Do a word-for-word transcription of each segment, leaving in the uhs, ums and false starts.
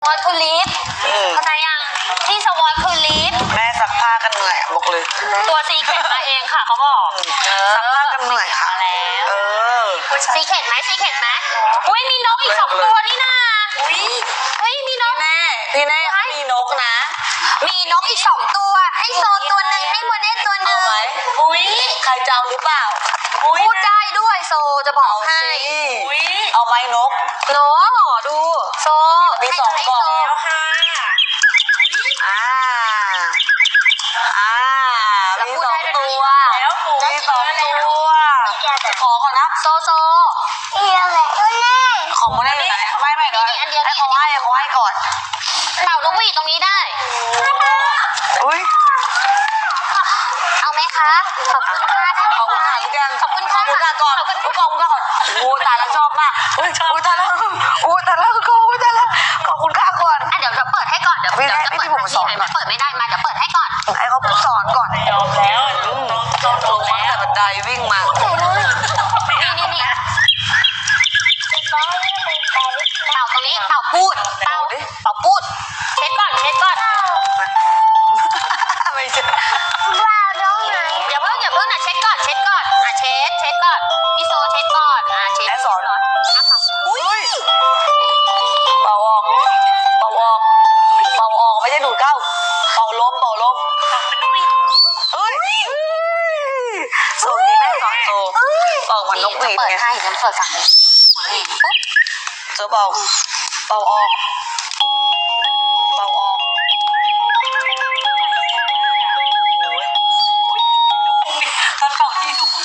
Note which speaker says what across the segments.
Speaker 1: อตคือลิฟต์เข้าใจยังที่สวอตคือลิฟต์
Speaker 2: แม่ซักผ้ากันเหนื่อยบอกเลย
Speaker 1: ตัวซีเข็ดมาเองค่ะเขาบอก
Speaker 2: ซักผ้ากันเหนื่อยค่ะ
Speaker 1: แล้ว
Speaker 2: เออ
Speaker 1: ซีเข็ดไหมซีเข็ดไหมอุ้ยมีนกอีกสองตัวนี่นะอุ้ยอุ้ยมีนก
Speaker 2: แน่ที่แน่มีนกนะ
Speaker 1: มีนกอีกสองตัวให้โซตัวหนึ่งให้โมเดลตัวหนึ่ง
Speaker 2: อุ้ยใครจะเอาหรือเปล่า
Speaker 1: พูดได้ด้วยโซจะบอกให้
Speaker 2: เอาไหมนก
Speaker 1: นกดูโซ
Speaker 2: มีสองกล่องแล้วค่ะอ่าอ่ามีสองตัวมีสองตัวขอก่อนนะ
Speaker 1: โซโซ
Speaker 2: ของโมเดลอยู่ไหนไม่ไม่เดี๋ยวให้เขาให้เขาให้ก่อน
Speaker 1: เป่านกหวีดตรงนี้ได้
Speaker 2: อุ้ย
Speaker 1: เอาไหมคะขอบคุณค่ะ
Speaker 2: ขอบคุณค่ะทุกอย่าง
Speaker 1: ขอบคุณค่ะ
Speaker 2: ก่อนขอบคุณก่อนก่อนโอ้ตายแล้วชอบมากอุ้ยอุ้ยตายแล้วอุ้ยตายแล้วก็อุ้ยตายแล้วขอบคุณค่ะก่อน
Speaker 1: อ่ะเดี๋ยวจะเปิดให้ก่อนเดี๋ยวเดี๋ยวจะเปิดให้สอนเปิดไม่ได้มาเดี๋ยวเปิดให้ก่อน
Speaker 2: ให้เขาสอนก่อนยอมแล้วต้องลงมาแต่บันไดวิ่งมา
Speaker 1: นี่นี่นี่เป่าตรงนี้เป่าพูดเป่าเป่าพูดเช็ดก่อนเช็ดก่อน
Speaker 2: ไม่ใช่
Speaker 1: อย่าเพิ่งอย่าเพิ่งนะเช็ดก่อนเช็ดก่อนอ่ะเช็ดเช็ดก่อนพี่โซเช็ดก่อนอ่ะเช็ด
Speaker 2: สอนอุ้ยเป่าออกเป่าออกเป่าออกไม่ใช่ดูดเข้าเป่าลมเป่าลมเอ้ยโซนี้แม่สอนโซเป่ามันนกหวีดไง
Speaker 1: ให้ฉันเปิดฝั่งนี้
Speaker 2: โซเป่าเป่าออกเป่าออกตอนเป่าที่ลูก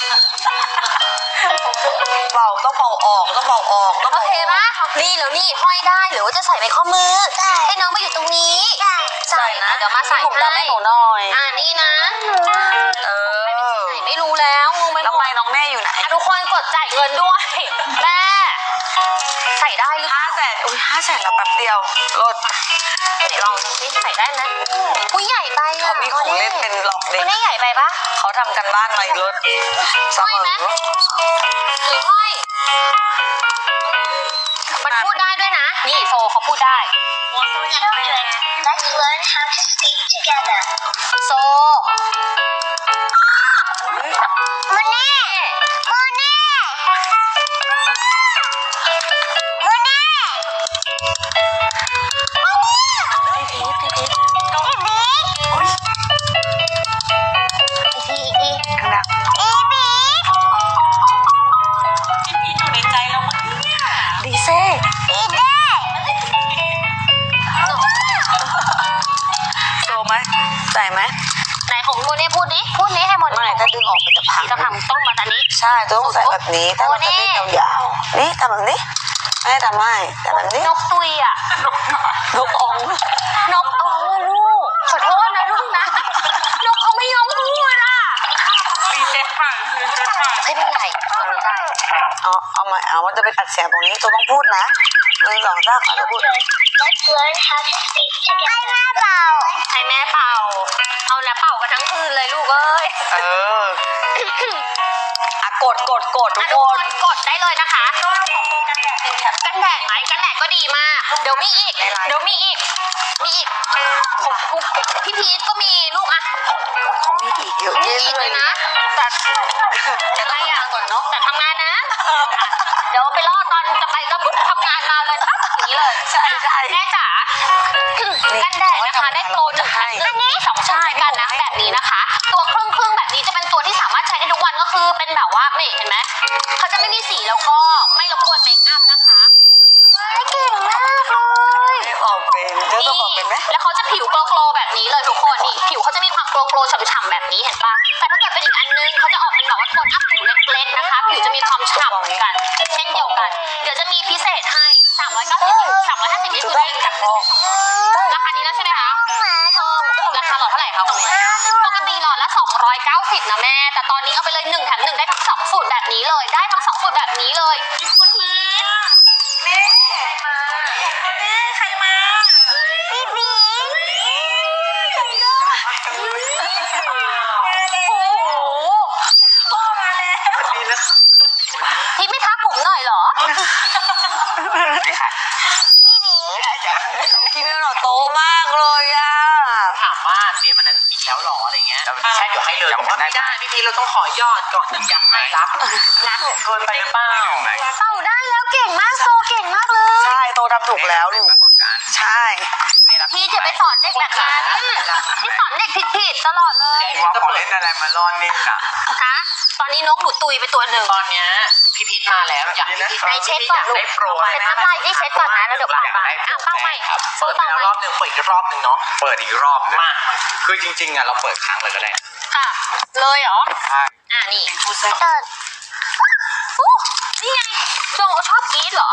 Speaker 2: เป่าต้องเป่าออกต้องเป่าออกต้อง
Speaker 1: โอเคปะนี่แล้วนี่ห้อยได้หรือว่าจะใส่ในข้อมือให้น้องมาอยู่ตรงนี้ใส่นะเดี๋ยวมาใส่
Speaker 2: ให้หนูหน่อย
Speaker 1: อ่านี่นะ
Speaker 2: เออ
Speaker 1: ไม่รู้แล้วงงไหม
Speaker 2: แล้วไมน้องแม่อยู่ไหน
Speaker 1: ทุกคนกดจ่ายเงินด้วยแม่ใส่ได้หรือ
Speaker 2: ห้าแสนอุ้ยห้าแสนแล้วแป๊บเดียวลด
Speaker 1: เดี๋ยวลองดูสิใส่ได้ไหมอุ้ยใหญ่ไปอ่ะ
Speaker 2: เขามีของเล่นเป็นหลอกเด็ก
Speaker 1: ไม่ใหญ่ไปปะ
Speaker 2: เขาทำกันบ้านไว้ลดเสมอ
Speaker 1: หรือห้อยมันพูดได้ด้วยนะนี่โซเขาพูดได้Let's learn how to speak together โซโมเน่โมเน่โมเน่พี่พีทพี่พีทพี่พีทอีกทีอีกที
Speaker 2: ข้างหน้า
Speaker 1: อีพีท
Speaker 2: พี่พีทอยู่ในใจเราเมื่อกี้เนี่ยดีเซ่
Speaker 1: อีเด้
Speaker 2: โซไหมใส่ไหม
Speaker 1: ไหนของโมเน่พูดดิพูดนี้ให้หมด
Speaker 2: ไม่ถ้าดึงออกไปจะพัง
Speaker 1: จะพังต้องมาทางนี้
Speaker 2: ใช่ต้องใส่แบบนี้ถ้ามันจะไม่ยาวๆนี่ทำแบบนี้ไม่ทำให้แต่แบบนี้
Speaker 1: นกตุยอ่ะ
Speaker 2: นกอง
Speaker 1: นกอ๋อลูกขอโทษนะลูกนะนกเขาไม่ยอมพูดอ่ะ
Speaker 2: รีเซ็ตผ่านรีเซ็ตผ่าน
Speaker 1: ไม่เป็นไรไม่ได้
Speaker 2: เอาเอาใหม่เอามันจะไปตัดเสียงตรงนี้ตัวต้องพูดนะหนึ่งสองสามอาจจะพูด
Speaker 1: Let's learn how to speak together ให้แม่เป่าให้แม่เป่าเอาแล้วเป่ากันทั้งคืนเลยลูกเอ้ย
Speaker 2: เอออ่ะกดกดกดทุกคน
Speaker 1: กดได้เลยนะคะกันแดดไหมกันแดดก็ดีมากเดี๋ยวมีอีกเดี๋ยวมีอีกมีอีกพี่พีทก็มีลูกอ่ะ
Speaker 2: เขามีอีกเยอะ
Speaker 1: แยะเลยนะแต่แต่ก็ทำงานก่อนเนาะแต่ทำงานนะเดี๋ยวไปรอตอนจะไปก็ปุ๊บทำงานมาเลยปั๊บอย่างนี้เลย
Speaker 2: ใช่ใช่
Speaker 1: แม่จ๋ากันแดดนะคะได้โปรหนึ่งอันนี้สองใช้กันนะแบบนี้นะคะตัวครึ่งครึ่งแบบนี้จะเป็นตัวที่สามารถใช้ได้ทุกวันก็คือเป็นแบบว่าไม่เห็นไหมเขาจะไม่มีสีแล้วก็ไม่รบกวนเมคอัพนะคะเก่งมากเลย
Speaker 2: ออกเป็นเจ้าตัวออกเป็นไหม
Speaker 1: แล้วเขาจะผิวโกลว์แบบนี้เลยทุกคนนี่ผิวเขาจะมีความโกลว์ฉ่ำๆแบบนี้เห็นปะแต่ถ้าเกิดเป็นอีกอันนึงเขาจะออกเป็นแบบว่าโทนอัพผิวเล็กๆนะคะผิวจะมีความฉ่ำเหมือนกันเช่นเดียวกันเดี๋ยวจะมีพิเศษให้สามร้อยเก้าสิบ สามร้อยห้าสิบนี่คือได้จากราคานี้แล้วใช่ไหมคะราคาหลอดเท่าไหร่คะคุณแม่ปกติหลอดละสองร้อยเก้าสิบนะแม่แต่ตอนนี้เอาไปเลยหนึ่งแถมหนึ่งได้ทั้งสองสูตรแบบนี้เลยได้ทั้งสองสูตรแบบนี้เลยมีคนมาแม่แม่ใครมาพี่พีโอ้โหพ่อมาแล้วพี่ไม่ทักผมหน่อยเหรอ
Speaker 2: กินเมลหน่อโตมากเลยอ่ะ
Speaker 3: ถามว่าเตรียมอันนั้นอีกแล้วหรออะไรเงี้ยใช่เดี๋ยวให้เลยบอกว่าไม่ได้พี่พีเราต้องขอยอดก่อนถึงจะให้รับรักเกินไปหรือเปล่า
Speaker 1: เต่าได้แล้วเก่งมากโซเก่งมากเลย
Speaker 2: ใช่โตทำถูกแล้วลูกใช่
Speaker 1: พี่จะไปสอนเด็กแบบนั้นพี่สอนเด็กผิดๆตลอดเลย
Speaker 4: ว่าพอเล่นอะไรมาล่อนนี่น่ะ
Speaker 1: ฮะตอนนี้นกหนูตุยไปตัวหนึ่ง
Speaker 3: ตอนเนี้ยพี่พีทมาแล้วอยากให้พี่
Speaker 1: ไหนเช็คก่อนลูก
Speaker 3: ได้โปร
Speaker 1: เช็คน้ำลายที่เช็คก่อนนะแล้วเดี๋ยวเป่าใหม่อ่ะเป่าใหม่โซ
Speaker 3: เปิดไป
Speaker 1: เป่า
Speaker 3: แล้ว
Speaker 1: ใหม่
Speaker 3: รอบหนึ่งเปิดอีกรอบหนึ่งเนาะ
Speaker 4: เปิดอีกรอบนึง
Speaker 3: มา
Speaker 4: คือจริงๆอ่ะเราเปิดครั้งเลยก็ได้
Speaker 1: ค่ะเลยเหรอ
Speaker 4: ใช่
Speaker 1: อ่ะนี่เอออู้นี่ไงโจชอบกรี๊ดเหรอ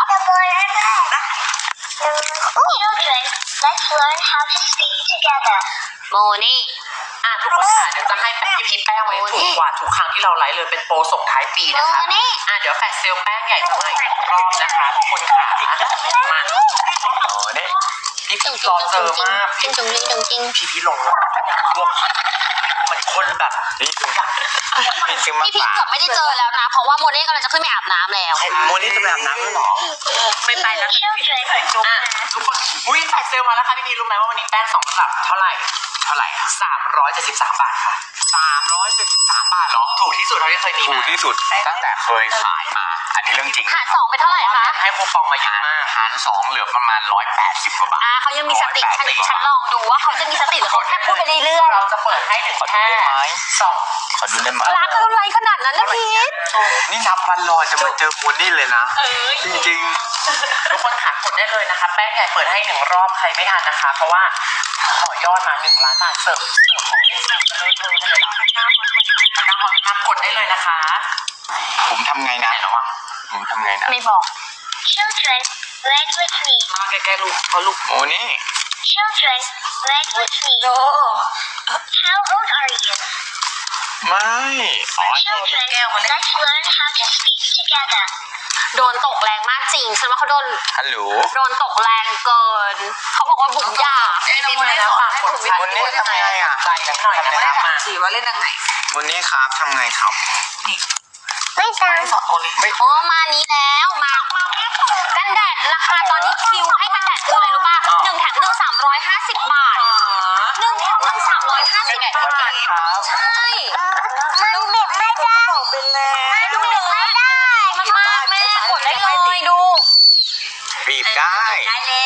Speaker 5: Children, let's learn how to speak together.
Speaker 1: โมนี่
Speaker 3: อ่ะทุกคนค่ะเดี๋ยวจะให้แป้งพี่พีทแป้งไว้ถูกกว่าทุกครั้งที่เราไลฟ์เลยเป็นโปรส่งท้ายปีนะคะ
Speaker 1: โมนี่
Speaker 3: อ่ะเดี๋ยวแฟลชเซลแป้งใหญ่จะมาอีกรอบนะคะทุกคนค่ะมา
Speaker 4: โอ้นี่
Speaker 3: พี่พีทรอเจอมาก
Speaker 1: จริงจริงจริงจริงจริง
Speaker 3: พี่พีทลงรถอยากรวบเหมือนคนแบบ
Speaker 4: นี่คือพี่พีซื้อมา
Speaker 1: พี่พีช
Speaker 4: ฝาก
Speaker 1: เกือบไม่ได้เจอแล้วนะ เพราะว่าโมเน่กำลังจะขึ้นไปอาบน้ำแล้ว
Speaker 4: โมนี่จะไปอาบน้ำแล้วเหรอ
Speaker 3: ไม่ไปแล้ว
Speaker 5: Children,
Speaker 3: อ่ะทุกคนอุ้ยแฟลชเซลมาแล้วค่ะพี่พีทรู้ไหมว่าวันนี้แป้งสองตลับเท่าไหร่
Speaker 4: เท่าไหร่อ่ะ
Speaker 3: สามร้อยเจ็ดสิบสามบาทค่ะ
Speaker 4: สามร้อยเจ็ดสิบสามบาทเหรอ
Speaker 3: ถูกที่สุดเท่าที่เคยมี
Speaker 4: ถู
Speaker 3: มาก
Speaker 4: ที่สุดตั้งแต่เคยขายมา อันนี้เรื่องจริง
Speaker 1: หารสองเป็นเท่าไหร่คะ
Speaker 3: ให้คูปองมาเยอะมาก
Speaker 4: หารสองเหลือประมาณร้อยแปดสิบกว่าบาท
Speaker 1: อ่าเขายังมีสติฉันฉันลองดูว่าเขาจะมีสติหรือเขาแค่พูดไปเรื่อย
Speaker 3: เราจะเปิดให้ถึง
Speaker 4: ขอดู
Speaker 3: แค่
Speaker 4: ได้ไหม
Speaker 3: สอง
Speaker 4: ขอดูได้ไหม
Speaker 1: ๆรักอะไรขนาดนั้นนะพีช
Speaker 4: นี่นับวันรอจะมาเจอโมนี่เลยนะ จริง
Speaker 3: ทุกคนหากดได้เลยนะคะ แป้งใหญ่เปิดให้หนึ่งรอบใครไม่ทันนะคะ เพราะว่าขอยอดมาหนึ่งล้านบาทเสิร์ฟเสิร์ฟของเล่นเสิร์ฟเลยเลยเลยนะคะมากดได้เลยนะคะ
Speaker 4: ๆ ผมทำไงนะผมทำไงนะ
Speaker 1: ไม่บอก
Speaker 5: children, read with me.
Speaker 3: มาใกล้ๆลูกเพราะลูก
Speaker 4: โมนี่
Speaker 5: Children, read with me. How old are you?
Speaker 4: ไม่ อ๋อ
Speaker 5: Children, let's learn how to speak together.
Speaker 1: โดนตกแรงมากจริง ฉันว่าเขาโดน
Speaker 4: ฮัลโหล
Speaker 1: โดนตกแรงเกิน เขาบอกว่าบุ๋มยา
Speaker 3: ไอ้นี่มาแล้วฝากกดไลค์
Speaker 4: วันนี้ทำไงอ่ะ
Speaker 3: ใจกันหน่อยนะคะมา
Speaker 2: สีว่าเล่นยังไง
Speaker 4: โมนี่ครับทำไงครับ
Speaker 1: ไม่ตาม
Speaker 3: สองคนเลย
Speaker 4: ไม่
Speaker 1: โอ้มานี้แล้วมากันแดดราคาตอนนี้คิวให้กันแดดคืออะไรรู้ป่ะหนึ่งแถมหนึ่งสามร้อยห้าสิบบาทหนึ่งแถมหนึ่งสามร้อยห้าสิบบาทใช่
Speaker 5: มันบีบไม่ได้
Speaker 2: เป็นแล้ว
Speaker 5: มันบีบไม่ได้
Speaker 1: มันมากแม่กดได้เลยดู
Speaker 4: บีบได้
Speaker 5: ได้แล้ว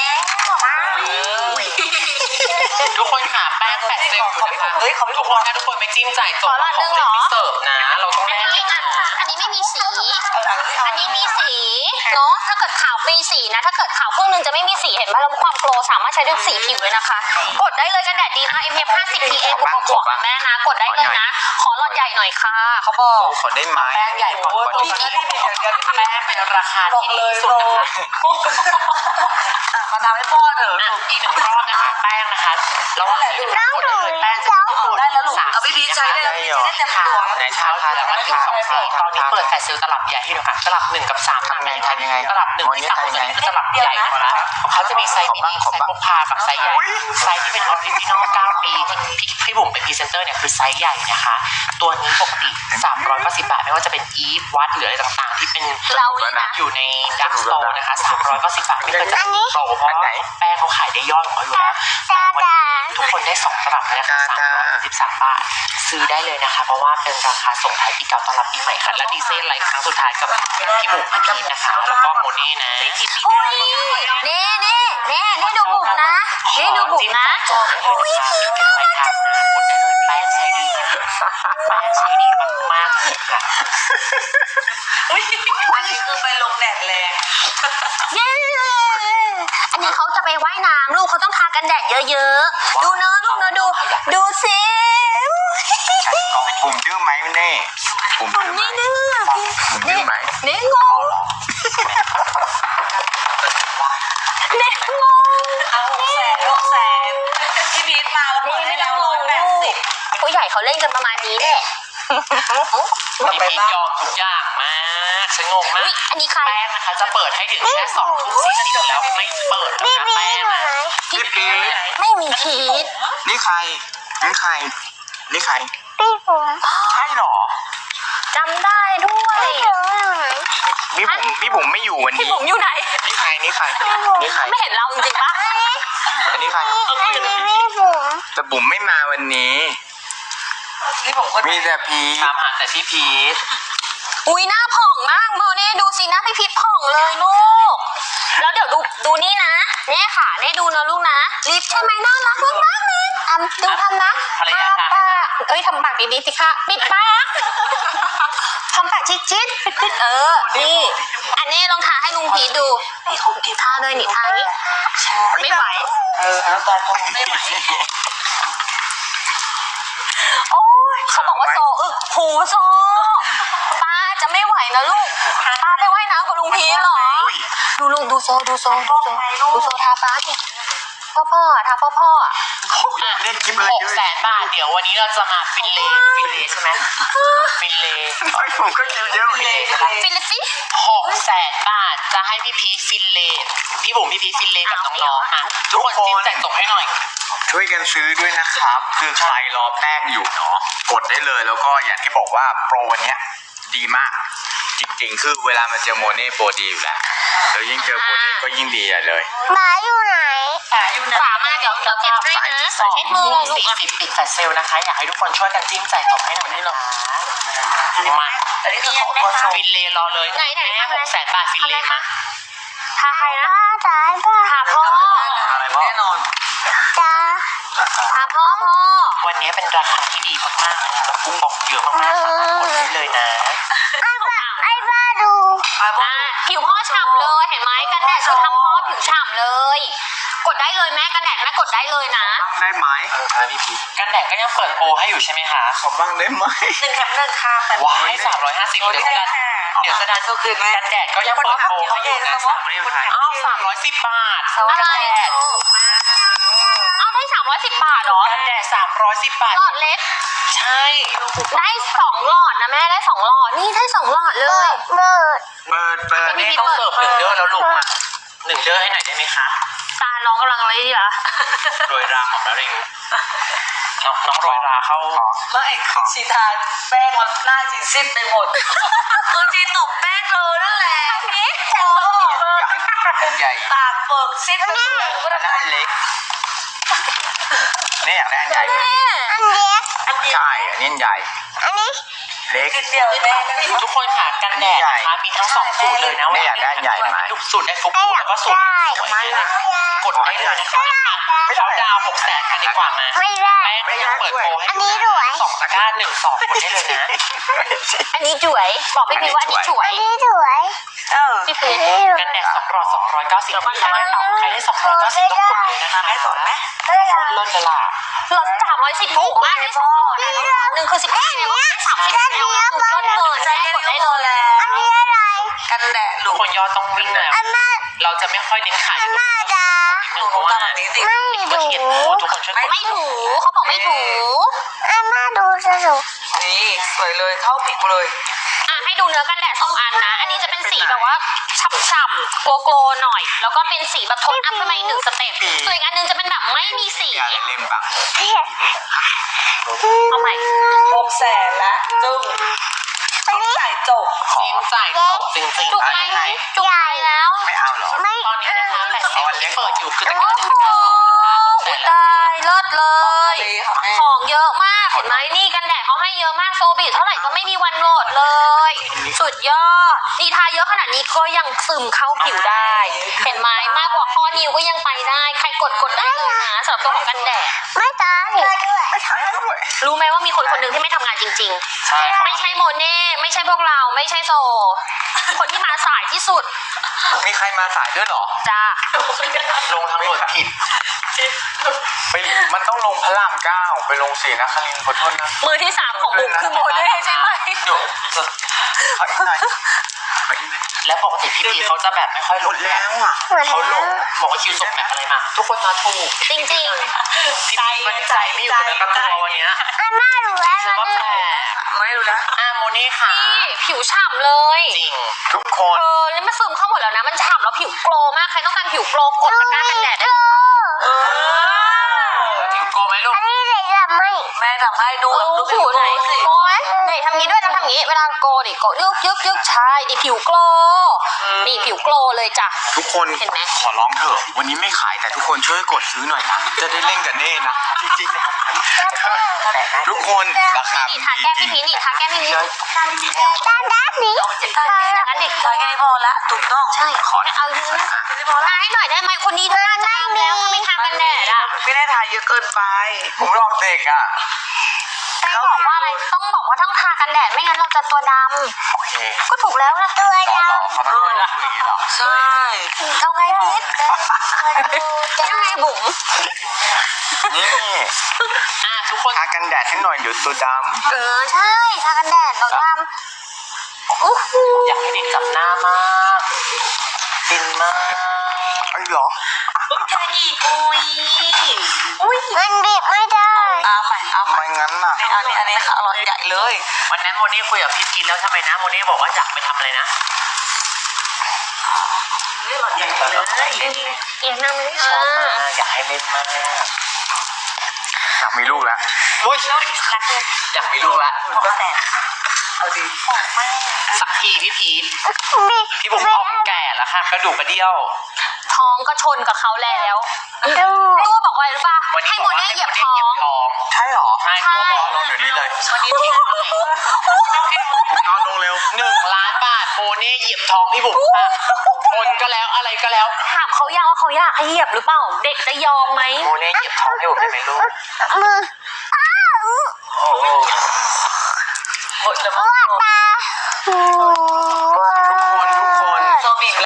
Speaker 3: ทุกคนค่ะแป้งแฟดเซลอยู่นะคะ
Speaker 2: เฮ้ยเขาไม่
Speaker 3: ทุ
Speaker 2: ถู
Speaker 3: ก
Speaker 2: ก
Speaker 3: คนถ้าทุกคนไม่จิ้มจ่ายจบของเล่นที่เสิร์ฟนะ เราต้อง
Speaker 1: อัน
Speaker 3: แลก
Speaker 1: นี้อ่ะอันนี้ไม่มีสี
Speaker 2: อันนี้
Speaker 1: อันนี้มีสีเนาะถ้าเกิดขาวมีสีนะ ถ้าเกิดขาวครึ่งหนึงจะไม่มีสีเห็นไหมแล้วความโกลสามารถใช้ได้สีผิวเลยนะคะ กดได้เลยกันแดดดีนะ เอ็ม พี เอฟ ห้าสิบ พี เอ บวกบวกๆแม่นะ กดได้เลยนะ ขอหลอดใหญ่หน่อยค่ะ เขาบอก
Speaker 4: ขอได้ไหม
Speaker 3: แป้งใหญ่กว่า
Speaker 2: โอ้ย
Speaker 3: คน
Speaker 2: พี่
Speaker 3: ที่
Speaker 2: พี่พี่เดี๋ยวเดี๋ยวพี่
Speaker 3: แป้งเป็นราคา
Speaker 2: บอก
Speaker 3: ที่
Speaker 2: เล
Speaker 3: ดี
Speaker 2: ย
Speaker 3: สุ
Speaker 2: โต
Speaker 3: ดนะคะ
Speaker 2: มาทำให้พ่อเถอะ
Speaker 3: อ่ะอีกหนึ่งรอบนะคะแป้งนะคะแล้วว่ากดได้เลยแป้งจะ
Speaker 2: ได้แล้วลูกเอาพี่พีชใช้ได้แล้วพี่จะได้เต็มตัวแล้ว
Speaker 4: ไหน
Speaker 3: เช้า
Speaker 4: ทา
Speaker 3: เหลื
Speaker 4: ทา
Speaker 3: อ
Speaker 4: ทา
Speaker 3: ว่าถึง
Speaker 4: ทา
Speaker 3: สองสีตอนนี้เปิดแฟลชเซลตลับใหญ่ให้ดูค่ะตลับหนึ่งกับสาม
Speaker 4: ทำไงทำยังไง
Speaker 3: ตลับหนึ่งที่สามตัวนี้คือตลับใหญ่กว่านะเขาจะมีไซส์มินิไซส์พกพากับไซส์ใหญ่ไซส์ที่เป็นออริจินอลเก้าปีที่พี่พี่บุ๋มเป็นพรีเซนเตอร์เนี่ยคือไซส์ใหญ่นะคะ ตัวนี้ปกติสามร้อยเก้าสิบบาทไม่ว่าจะเป็นอีฟวัดหรืออะไรต่างๆ ที่เป็น
Speaker 1: เรานี่นะ
Speaker 3: อยู่ในดักสโตร์นะคะสามร้อยเก้าสิบบาทไม่เคยจะโตเพราะแป้งเขาขายได้ยอดของเขาอยู่แล้วทุกคนได้สองตลับนะคะสามร้อยสิบสามบาทซื้อได้เลยนะคะ เพราะว่าเป็นราคาส่งท้ายปีเก่าต้อนรับปีใหม่ค่ะและดีเซลไลฟ์ครั้งสุดท้ายกับพี่บุ๋มพี่พีชนะคะแล้วก็โมนี่นะ
Speaker 1: โอ้ยเน่เน่เน่เน่ดูบุ๋มนะเน่ดูบุ๋มนะ
Speaker 3: จบเลยค่ะมีเก็บไปทานนะกดได้เลยแป้งใช้ดีมากแป้งใช้ดีมากๆเลยค่ะ
Speaker 2: อันนี้คือไปลงแดดแรง
Speaker 1: เย้อันนี้เขาจะไปว่ายน้ำลูกเขาต้องทากันแดดเยอะๆ ดูเนอะลูกเนอะดู ดูสิ
Speaker 4: ใช้กล่องปุ่มดื้อไหมเน่ปุ่ม
Speaker 1: ผม
Speaker 4: ดื้อไหม
Speaker 1: ไม่ดื้อ
Speaker 4: ปุ่มดื้อไหม
Speaker 1: เน่งงเน่งง
Speaker 2: เอาหกแสนหกแสนพี่พีชมาแล้วเปิดให้เราร้อยแปดสิบ
Speaker 1: ผู้ใหญ่เขาเล่นกันประมาณนี้แหละ
Speaker 3: พี่พีชยอมทุกอย่างมากฉันงงมา
Speaker 1: อุ๊
Speaker 3: ก
Speaker 1: ยอันนี้ใคร
Speaker 3: แป้งนะคะจะเปิดให้ถึงแค่สองทุ่มสี่สิบแล้วไม่เปิดนะคะแป้งนะ
Speaker 4: พี่พีช
Speaker 1: ไม่มีพีท
Speaker 4: นี่ใคร นี่ใคร นี่ใคร
Speaker 5: พี่ผม
Speaker 4: ใช่เหรอ
Speaker 1: จำได้ด้วย
Speaker 4: พี่ผมพี่ผมไม่อยู่วัน
Speaker 1: พี่
Speaker 4: นี้
Speaker 1: ผมอยู่ไหน
Speaker 4: นี่ใคร นี่ใคร นี่ใคร
Speaker 1: ไม่เห็นเราจริงๆปะ
Speaker 4: อันนี้ใคร
Speaker 5: อันนี้ไม่บุ๋ม
Speaker 4: แต่บุ๋มไม่มาวันนี้
Speaker 2: นี่ผมก็
Speaker 4: มีแต่พี
Speaker 3: ตามหาแต่พี่พีท
Speaker 1: อุ้ยหน้าผ่องมากโมเน่ดูสิหน้าพี่พิษผ่องเลยลูก แล้วเดี๋ยวดูดูนี่นะเน่ค่ะเน่ดูนะลูกนะลิฟใช่ไหมน่ารักมากมากๆเลยอ่ะดูทำนะ
Speaker 3: ภรรยา
Speaker 1: ทา
Speaker 3: ค่ะ
Speaker 1: ปากเอ้ยทำปากดีๆสิคะปิดปากทำปากจิ๊ดจิ๊ดปิดปิดเออนี่อันนี้ลองทาให้ลุงพีทดูทาเลยนี่ทานี้ไม่ไหว
Speaker 2: เออน้ำตาลพอไม่ไหว
Speaker 1: โอ้ยเขาบอกว่าโซเออโหโซป้าจะไม่ไหวนะลูกป้าไปว่ายน้ำกับลุงพีทเหรอ ดูลูกดูโซดูโซดูโซดูโซทาฟ้าดิพ่อพ่อทาพ่อพ่ออ่ะ
Speaker 4: เล่นคลิปอะไร
Speaker 3: ห
Speaker 4: เย
Speaker 3: ก
Speaker 4: อะ
Speaker 3: แสนบาทเดี๋ยววันนี้เราจะมาฟินเลฟินเลใช่ไหมฟินเล
Speaker 4: ผมก็คิวเยอะเหมือนกัน
Speaker 1: ฟิลิปปินส์
Speaker 3: หกแสนบาทจะให้พี่พีทฟินเลพี่บุ๋มพี่พีทฟินเลกับน้องๆนะทุกคนจิ้มแจกส่งให้หน่อย
Speaker 4: ช่วยกันซื้อด้วยนะครับ คือใครรอแป้งอยู่เนาะกดได้เลยแล้วก็อย่างที่บอกว่าโปรวันเนี้ยดีมาก จริงๆ คือเวลามาเจอโมเน่โปรดีอยู่แล้วแล้วยิ่งเจอโมเน่ก็ยิ่งดีใหญ่เลย
Speaker 5: หมาอยู่ไหน
Speaker 2: ขาอยู่นะ
Speaker 1: ฝามาเดี๋ยวเดี๋ยวเก็บให้นะ
Speaker 3: สอง
Speaker 1: เช็ดมือ
Speaker 3: ทุ่
Speaker 1: เลยลูก
Speaker 3: มสี่
Speaker 1: อ่ะ
Speaker 3: สิบปิดแฟลชเซลนะคะ อยากให้ทุกคนช่วยกันจิ้มจ่ายจบให้หน่อยนี่หรอมา
Speaker 2: อันนี้คือของตัวโชว์
Speaker 3: ฟินเลรอเลย
Speaker 1: ไหนไหน
Speaker 3: แม่
Speaker 1: ทำ
Speaker 3: ห
Speaker 1: อะไร
Speaker 3: กแสนบาทฟินเล
Speaker 1: ทำอะไร
Speaker 3: มา
Speaker 1: คะทาใครนะ
Speaker 5: ตาตา
Speaker 1: ทาพ่อ
Speaker 4: อะไรบ้าง
Speaker 2: แน่นอน
Speaker 5: ตา
Speaker 1: ทาพ่อพ่อ
Speaker 3: วันนี้เป็นราคาที่ดีมากๆนะคะแล้วคูปองเยอะมากๆสามารถกดได้เลยนะ
Speaker 5: ไอ้บ้าไอ้บ้าดู
Speaker 1: อ่ะผิวพ่อฉ่ำเลยเห็นไหมกันแดดคือทำพ่อผิวฉ่ำเลย กดได้เลยแม่กันแดดแม่กดได้เลยนะ
Speaker 4: บ้างได้ไหม
Speaker 3: เออค่ะพี่พีกันแดดก็ยังเปิดโปรให้อยู่ใช่ไหมคะ
Speaker 4: ขอบ้างได้ไหม
Speaker 2: หนึ่งแถมหนึ่งค่ะแต่
Speaker 3: ว้ายสามร้อยห้าสิบเดี๋ยวจะดันเดี๋ยวจะดัน
Speaker 2: ก็คือแม่
Speaker 3: กันแดดก็ยังเปิดโปรให้อยู่นะอ้าวสามร้อยสิบบาท
Speaker 1: อะไร
Speaker 3: กันแดด
Speaker 1: เอาได้สามร้อยสิบบาทเหรอ
Speaker 3: กันแดดสามร้อยสิบบาท
Speaker 1: หลอดเล็ก
Speaker 3: ใช่
Speaker 1: ได้สองหลอดนะแม่ได้สองหลอดนี่ได้สองหลอดเลย
Speaker 5: เบิด
Speaker 4: เปิดเปิด
Speaker 3: นี่ต้องเสิร์ฟหนึ่งเด้อแล้วลูกมาหนึ่งเด้อให้หน่อยได้ไหมคะ
Speaker 1: ตาน้องกำลังอะไรดีล่ะ
Speaker 3: โรยราของมะเร็งน้องน้องโรยราเข้า
Speaker 2: ไม่คือชีทานแป้งมันหน้าจีซิดไปหมดคือชีตบแป้งเลยนั่นแหละนี่โอ้
Speaker 4: อันใหญ่
Speaker 2: ตากเบิกซิดไปหมดเลย
Speaker 4: อันนั้นอันเล็กนี่อยากได้อันใหญ่ไหม
Speaker 5: อันเล็ก
Speaker 4: ใช่อันนี้อันใหญ่
Speaker 5: อันนี้
Speaker 4: เล็ก
Speaker 2: กินเดียวแม่
Speaker 3: ทุกคนค่ะกันแดดนะคะมีทั้งสองสูตรเลยนะ
Speaker 4: ไม่อยากได้อันใหญ่ไหม
Speaker 3: ทุกสูตรได้ฟุกๆแล้วก็สูตรสวยๆนะกดได้เลยนะคะเขาดาวหกแสนกันดีกว่ามา
Speaker 5: ไม่ได้
Speaker 3: แป้งก็ยังเปิดโปรให้
Speaker 5: อันนี้ด้วย
Speaker 3: สองตะกร้าหนึ่งสองกดได้เลยนะ
Speaker 1: อันนี้จุ๋ยบอกพี่พีว่าอันนี้จุ๋ย
Speaker 5: อันนี้สวย
Speaker 2: เออ
Speaker 1: พี่พี
Speaker 5: อันนี้สวย
Speaker 3: กันแดดสองหลอดสองร้อยเก้าสิบใครได้ใครได้สองร้อยเก้าสิบต้องกดเลยนะคะ
Speaker 2: ให้สอนไหม
Speaker 5: ไม่ได้
Speaker 3: เลิศเลยล่ะ
Speaker 1: หลอดสามร้อยสิบถูกมากได้สองหลอดนะหนึ่งคือสิบห้าเนี่ยได้สามสิบแล้วนะคุณก็เดินได้กดได้เลย
Speaker 5: อันนี้อะไร
Speaker 2: กันแดด
Speaker 3: ทุ
Speaker 2: ลู
Speaker 3: ก
Speaker 2: ก
Speaker 3: คนยอดต้องวิ่งแล้ว
Speaker 5: อันแม่
Speaker 3: เราจะไม่ค่อยเน้นขาย
Speaker 5: อันแม่จ้า
Speaker 3: หนูเพราะว่า
Speaker 2: แบบนี้สิ
Speaker 5: ไม่
Speaker 3: ก็
Speaker 5: ดู
Speaker 3: เขียนพูดทุกคนช่วยกด
Speaker 1: ไม่ถูเขาบอกไม่ถู
Speaker 5: อันแม่ดูสนุก
Speaker 2: นี่สวยเลยเข้าผิดเลย
Speaker 1: อ่ะให้ดูเนื้อกันแดดสองอันนะ อันนี้จะเป็นสีแบบว่าฉ่ำๆโกโกลหน่อย แล้วก็เป็นสีแบบโทนอัพขึ้นมาอีกหนึ่งสเต็ปส่วนอีกอันนึงจะเป็นแบบไม่มีสี
Speaker 4: อยากเล่นบ้าง
Speaker 1: เอาใหม่
Speaker 2: หกแสนละจึ้งต้องจ่ายจบ
Speaker 3: จิ้มจ่ายตกจริง
Speaker 1: จุก
Speaker 3: ๆ
Speaker 1: ไปจุกไปแล้ว
Speaker 4: ไม่เอาหรอ
Speaker 5: ไม่
Speaker 3: ตอนนี้นะคะแต่เซลล์ที่เปิดอยู่คือตะก
Speaker 1: โอ้
Speaker 3: ร้าหนึ่ง
Speaker 1: โห
Speaker 3: เก้าสองนะคะหกแสน
Speaker 1: ตายเลิศเลย
Speaker 2: ดีค่ะแม่
Speaker 1: ของเยอะมากเห็นไหมนี่กันแดดเขาให้เยอะมากโซบิเท่าไหร่ก็ไม่มีวันหมดเลย สุดยอดนี่ทาเยอะขนาดนี้ก็ยังซึมเข้าผิวได้ เห็นไหมมากกว่าข้อนิ้วก็ยังไปได้ ใครกดกดได้เลยนะสำหรับตัวของกันแดด
Speaker 5: ไม่ตายด้วย
Speaker 4: ไม่ใช่ด้วย
Speaker 1: รู้ไหมว่ามีคนคนหนึ่งที่ไม่ทำงานจริง
Speaker 3: ใช่ค่ะ
Speaker 1: ๆ ไม่ใช่โมเน่ไม่ใช่พวกเราไม่ใช่โซ คนที่มาสายที่สุด
Speaker 4: มีใครมาสายด้วยเหรอ
Speaker 1: จ้า
Speaker 3: ลงทางด่วนผิด
Speaker 4: ไปมันต้องลงพระรามเก้าไปลงศรีนครินทร์ขอโทษนะ
Speaker 1: มือที่สามของบุ๋มคือโมเน่ใช่ไหม
Speaker 3: เดี๋ยว
Speaker 4: ขออีกหน่อยขออีกหน่อย
Speaker 3: และปกติพี่พีเขาจะแบบไม่ค่อย
Speaker 4: ห
Speaker 3: ล
Speaker 4: ม
Speaker 3: ง
Speaker 4: ดแล้วอ่ะ
Speaker 5: หมด
Speaker 3: เขา
Speaker 5: แล้
Speaker 3: ล
Speaker 5: ว
Speaker 3: งบอกว่าคิวส่งแบบอะไรมาทุกคนมาถูก
Speaker 1: จริง
Speaker 3: พี่พีมันใจไม่อยู่ในประตูวันเนี้ย
Speaker 5: อันแม่ดูแล
Speaker 3: ฉันว่าแปลก
Speaker 2: ไม่รู้แล้ว
Speaker 3: อ่ะโมนี่ค่ะ
Speaker 1: ๆนี่ผิวฉ่ำเลย
Speaker 3: จริง
Speaker 4: ทุกคน
Speaker 1: เออแล้วมันซึมเข้าหมดแล้วนะ มันฉ่ำแล้วผิวโกลมาก ใครต้องการผิวโกลกดตะกร้ากันแดดได้
Speaker 3: แล้วผิวโกไหมลูก
Speaker 5: อันนี้เไหนจะไม่
Speaker 2: แม่ทำให้ดูดูผิว
Speaker 1: ไหน
Speaker 2: สิ
Speaker 1: โอ้ยไหนทำงี้ด้วยทำทำงี้เวลาโกดิโกยึกยึกยึกใช่ดิผิวโกลนี่ผิวโกลเลยจ้ะ
Speaker 4: ทุกคน
Speaker 1: เห็นไหม
Speaker 4: ขอร้องเถอะวันนี้ไม่ขายแต่ทุกคนช่วยกดซื้อหน่อยนะจะได้เล่นกับเน่นะจริงๆทุกคนราคา
Speaker 1: นี่ทาแก้มพี่พีนี่ทาแก้มพี่พี
Speaker 5: ด้านด้านนี้
Speaker 1: อย่างนั้นเด็ก
Speaker 2: ใช่แค่นี้พอละถูกต้อง
Speaker 1: ใช่ขอเอาเยอะนะทาให้หน่อยได้ไหมคนนี้ทาจะดำแล้วถ้าไม่ทากันแดดอ่ะ
Speaker 2: ไม่ได้ถ่ายเยอะเกินไป
Speaker 4: ผมลองเด็กอ่ะ
Speaker 1: ต้องบอกว่าอะไรต้องบอกว่าต้องทากันแดดไม่งั้นเราจะตัวด
Speaker 4: โอเค
Speaker 1: ำก็ถูกแล้วนะตัว
Speaker 4: ต่อ
Speaker 1: ด
Speaker 4: ต่อเขาต้องพูดอย่างนี้เหรอ
Speaker 2: ใช่
Speaker 1: ำเอาไงพีทยังไงบุ๋ม
Speaker 4: นี่
Speaker 3: อ่ะทุกคน
Speaker 4: ทากันแดดให้หน่อยเดี๋ยวตัวด
Speaker 1: เออใช่ทากันแดดเราดำโอ้โห
Speaker 3: อยากให้เด็กจับหน้ามากฟินมาก
Speaker 4: ำไอ้เหรอ
Speaker 3: อุ้ยแค่อีกอุ้ย
Speaker 5: มันบีบไม่ได้
Speaker 2: เอาใหม่เอาใหม่
Speaker 4: ไม่งั้นน่ะ
Speaker 2: อันนี้อันนี้ค่ะอร่อยใหญ่เลย
Speaker 3: วันนั้นโมเน่คุยกับพี่พีแล้วทำไมนะโมเน่บอกว่าอยากไปทำอะไรนะ
Speaker 2: ใหญ่เลย
Speaker 1: เอียงหน้าไม่ได้
Speaker 3: ชอบมากอยากให้เล่นมาก
Speaker 4: อยากมีลูกแล้ว
Speaker 3: โอ้ยอยากมีลูกละ
Speaker 2: เอาดี
Speaker 3: สักทีพี่พีท
Speaker 5: บีบ
Speaker 3: พี่บุ๋มพอมแก่แล้วค่ะกระดูกกระเดี่ยว
Speaker 1: ท้องก็ชนกับเขาแล้ว
Speaker 5: ดู
Speaker 1: ตัวบอกไว้หรือเปล่า
Speaker 3: วันนี้
Speaker 1: ให้โมเน่เหยียบท้อง
Speaker 3: ท้อง
Speaker 4: ใช่เหรอ
Speaker 3: ใช่
Speaker 1: ใช่
Speaker 3: ตัวบอก
Speaker 4: ลองเดี๋ยวนี้เลย
Speaker 3: วันนี้พี่
Speaker 4: ผมนอนลงเร็ว
Speaker 3: หนึ่งล้านบาทโมเน่เหยียบท้องพี่บุ๋มค่ะชนก็แล้วอะไรก็แล้ว
Speaker 1: ถามเขายังว่าเขาอยากให้เหยียบหรือเปล่า เด็กจะยอมไหม
Speaker 3: โมเน่เหยียบท้องให้บุ๋มได้ไหมลูก
Speaker 5: มือ
Speaker 3: โอ้โหหมดแล้วมั้ง
Speaker 5: ตา
Speaker 4: ทุกคนทุกคน
Speaker 2: โซบี